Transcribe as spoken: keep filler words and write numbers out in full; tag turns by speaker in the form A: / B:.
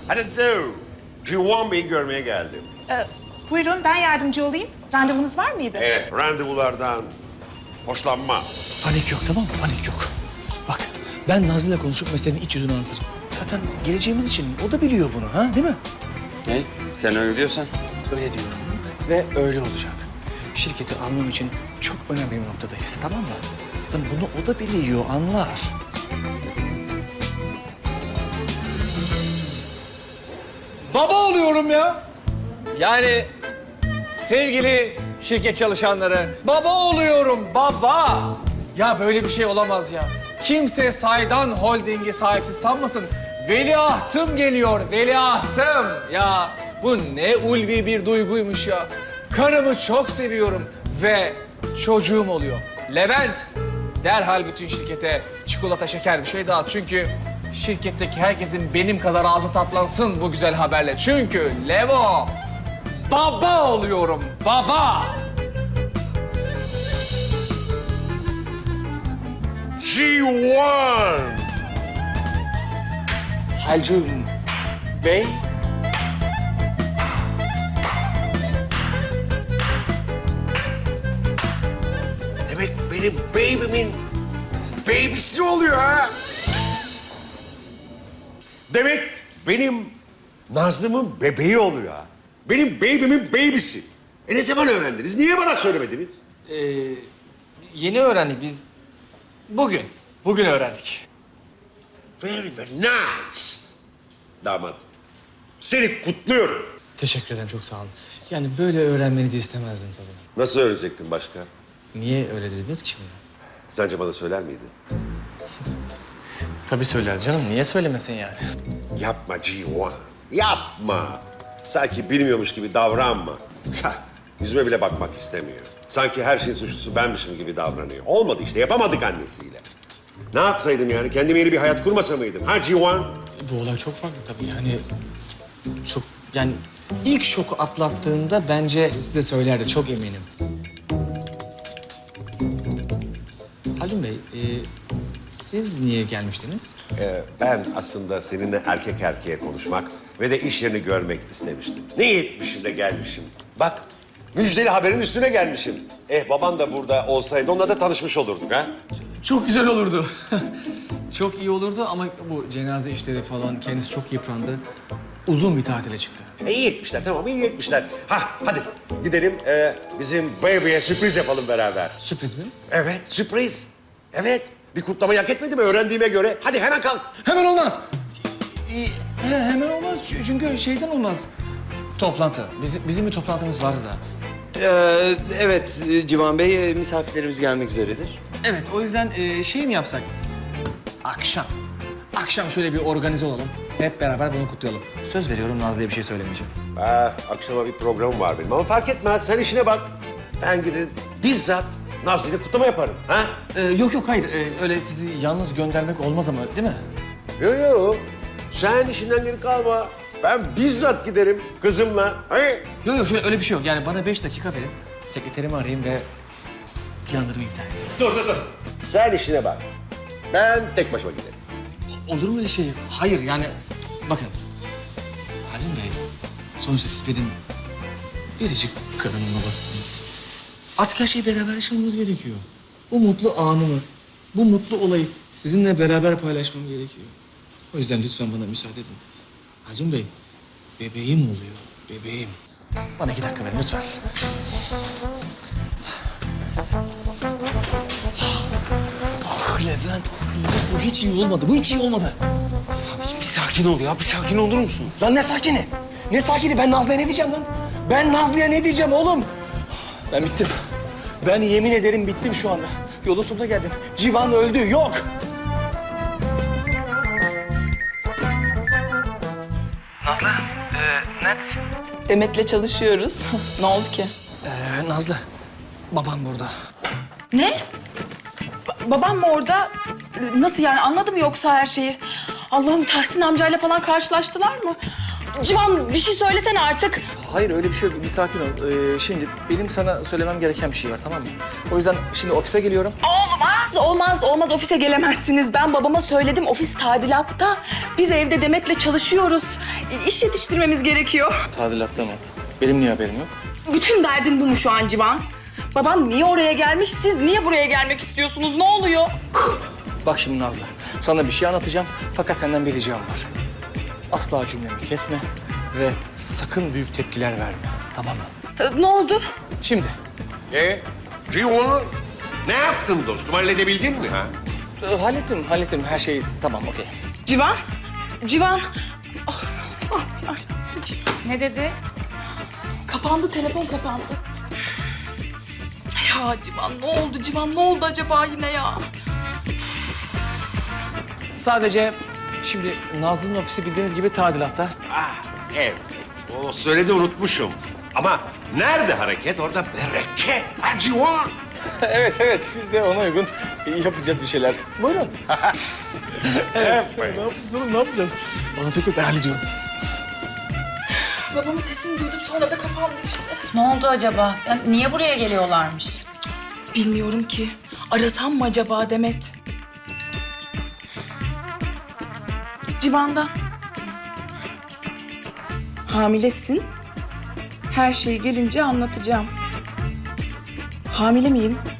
A: Hadi do. Civan Bey'i görmeye geldim.
B: Ee, buyurun ben yardımcı olayım. Randevunuz var mıydı?
A: Evet, randevulardan hoşlanma.
C: Panik yok, tamam mı? Panik yok. Bak, ben Nazlı'yla konuşup meselenin iç yüzünü anlatırım. Zaten geleceğimiz için o da biliyor bunu, ha? Değil mi?
D: Ne? Sen öyle diyorsan.
C: Öyle diyorum. Ve öyle olacak. Şirketi almam için çok önemli bir noktadayız, tamam mı? Zaten bunu o da biliyor, anlar.
E: Baba oluyorum ya. Yani sevgili şirket çalışanları, baba oluyorum, baba. Ya böyle bir şey olamaz ya. Kimse Saydan Holding'i sahipsiz sanmasın. Veliahtım geliyor, veliahtım. Ya bu ne ulvi bir duyguymuş ya. Karımı çok seviyorum ve çocuğum oluyor. Levent, derhal bütün şirkete çikolata, şeker bir şey dağıt. Çünkü şirketteki herkesin benim kadar ağzı tatlansın bu güzel haberle. Çünkü Levo, baba oluyorum, baba.
A: Civan!
C: Halcun Bey,
A: Demek benim baby'min baby'si oluyor ha? Demek benim Nazlı'mın bebeği oluyor ha? Benim baby'min baby'si. E ne zaman öğrendiniz? Niye bana söylemediniz?
E: Ee, yeni öğrendik biz. Bugün, bugün öğrendik.
A: Very, very nice. Damat, seni kutluyorum.
C: teşekkür ederim, çok sağ olun. Yani böyle öğrenmenizi istemezdim tabii.
A: Nasıl öğrenecektin başka?
C: Niye öyle dediniz ki şimdi?
A: Sence bana söyler miydin?
C: Tabii söyler canım, niye söylemesin yani?
A: Yapma Civan, yapma. Sanki bilmiyormuş gibi davranma. Hah, yüzüme bile bakmak istemiyor. Sanki her şeyin suçlusu benmişim gibi davranıyor. Olmadı işte, yapamadık annesiyle. Ne yapsaydım yani? Kendime yeni bir hayat kurmasa mıydım? Ha Civan?
C: Bu olay çok farklı tabii yani. Çok, yani ilk şoku atlattığında bence size söylerdi, çok eminim. Halun Bey, e, siz niye gelmiştiniz?
A: Ee, ben aslında seninle erkek erkeğe konuşmak ve de iş yerini görmek istemiştim. Ne iyi etmişim de gelmişim. Bak, müjdeli haberin üstüne gelmişim. Eh baban da burada olsaydı onunla da tanışmış olurduk ha.
C: Çok güzel olurdu. Çok iyi olurdu ama bu cenaze işleri falan kendisi çok yıprandı. Uzun bir tatile çıktı.
A: E, iyi etmişler, tamam iyi etmişler. Ha hadi gidelim ee, bizim baby'ye sürpriz yapalım beraber.
C: Sürpriz mi?
A: Evet, sürpriz. Evet, bir kutlamayı hak etmedi mi öğrendiğime göre? Hadi hemen kalk.
C: Hemen olmaz. Ee, he, hemen olmaz Ç- çünkü şeyden olmaz. Toplantı. Bizim, bizim bir toplantımız vardı da.
D: Ee, evet Civan Bey, misafirlerimiz gelmek üzeredir.
C: Evet, o yüzden e, şey mi yapsak? Akşam. Akşam şöyle bir organize olalım. Hep beraber bunu kutlayalım. Söz veriyorum Nazlı'ya bir şey söylemeyeceğim.
A: Ah, akşama bir programım var benim ama fark etmez. Sen işine bak. Ben gidip bizzat Nazlı'yla kutlama yaparım. Ha?
C: Ee, yok yok hayır. Ee, öyle sizi yalnız göndermek olmaz ama değil mi?
A: Yo yo. Sen işinden geri kalma. Ben bizzat giderim kızımla. Hayır.
C: Yok yok şöyle öyle bir şey yok. Yani bana beş dakika verin. Sekreterimi arayayım ve planlarımı iptal edeyim.
A: Dur dur dur. Sen işine bak. Ben tek başıma giderim.
C: Olur mu öyle şey? Hayır yani bakın. Halim Bey, sonuçta siz benim biricik karımın babasısınız. Artık her şeyi beraber yaşamamız gerekiyor. Bu mutlu anımı, bu mutlu olayı sizinle beraber paylaşmam gerekiyor. O yüzden lütfen bana müsaade edin. Halim Bey, bebeğim oluyor, bebeğim. Bana iki dakika verin lütfen. Ah Levent, ah Levent, bu hiç iyi olmadı, bu hiç iyi olmadı.
D: Bir sakin ol ya, bir sakin olur musun?
C: Lan ne sakini? Ne sakini? Ben Nazlı'ya ne diyeceğim lan? Ben Nazlı'ya ne diyeceğim oğlum? Ben bittim. Ben yemin ederim bittim şu anda. Yolun sonuna geldim. Civan öldü, yok.
F: Nazlı, e, neredesin?
G: Demet'le çalışıyoruz. Ne oldu ki?
C: Ee, Nazlı, babam burada.
G: Ne? Ba- babam mı orada? Nasıl yani, anladı mı yoksa her şeyi? Allah'ım, Tahsin amcayla falan karşılaştılar mı? Civan bir şey söylesene artık.
C: Hayır öyle bir şey yok. Bir sakin ol. Ee, şimdi benim sana söylemem gereken bir şey var, tamam mı? O yüzden şimdi ofise geliyorum.
G: Olmaz, olmaz, olmaz. Ofise gelemezsiniz. Ben babama söyledim. Ofis tadilatta. Biz evde Demet'le çalışıyoruz. İş yetiştirmemiz gerekiyor.
C: Tadilatta mı? Benim niye haberim yok?
G: Bütün derdin bu mu şu an Civan? Babam niye oraya gelmiş? Siz niye buraya gelmek istiyorsunuz? Ne oluyor?
C: Bak şimdi Nazlı, sana bir şey anlatacağım fakat senden bir ricam var. Asla cümlemi kesme ve sakın büyük tepkiler verme, tamam mı?
G: Ee, Ne oldu?
C: Şimdi,
A: E, Civan, ne yaptın dostum? Halledebildin mi ha?
C: e, hallettim, hallettim. Her şey tamam, okey.
G: Civan? Civan? Ah, ah, ah.
H: Ne dedi?
G: Kapandı, telefon kapandı. Ya Civan ne oldu? Civan ne oldu acaba yine ya?
C: Sadece şimdi Nazlı'nın ofisi bildiğiniz gibi tadilatta.
A: Ah, evet. O söyledi unutmuşum. Ama nerede hareket, orada bereket. Ha Civan.
C: evet, evet. Biz de ona uygun yapacağız bir şeyler. Buyurun. evet. Ne yapacağız oğlum, ne yapacağız? Bana çok yok, ben hallediyorum.
G: Babamın sesini duydum sonra da kapandı işte.
H: Ne oldu acaba? Ya niye buraya geliyorlarmış?
G: Bilmiyorum ki. Arasam mı acaba Demet? Civan'dan. Hamilesin. Her şeyi gelince anlatacağım. Hamile miyim?